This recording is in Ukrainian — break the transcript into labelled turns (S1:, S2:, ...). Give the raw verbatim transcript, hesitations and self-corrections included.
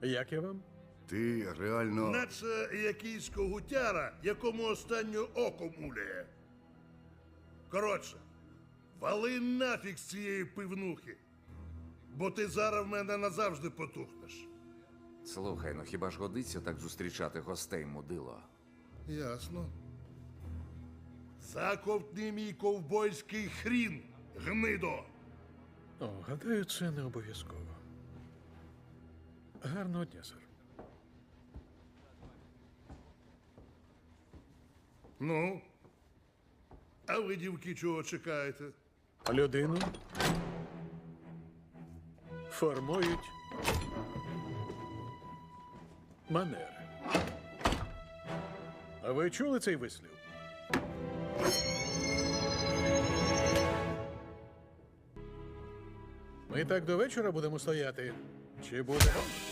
S1: Як я вам?
S2: Ти реально.
S3: Наче якийсь когутяра, якому останнє око муляє. Коротше, вали нафіг з цієї пивнухи, бо ти зараз в мене назавжди потухнеш.
S4: Слухай, ну хіба ж годиться так зустрічати гостей, мудило?
S3: Ясно. Заковтни мій ковбойський хрін, гнидо!
S1: О, гадаю, це не обов'язково. Гарного дня, сер.
S3: Ну, а ви, дівки, чого чекаєте?
S1: Людину формують манери. А ви чули цей вислів? Ми так до вечора будемо стояти. Чи буде?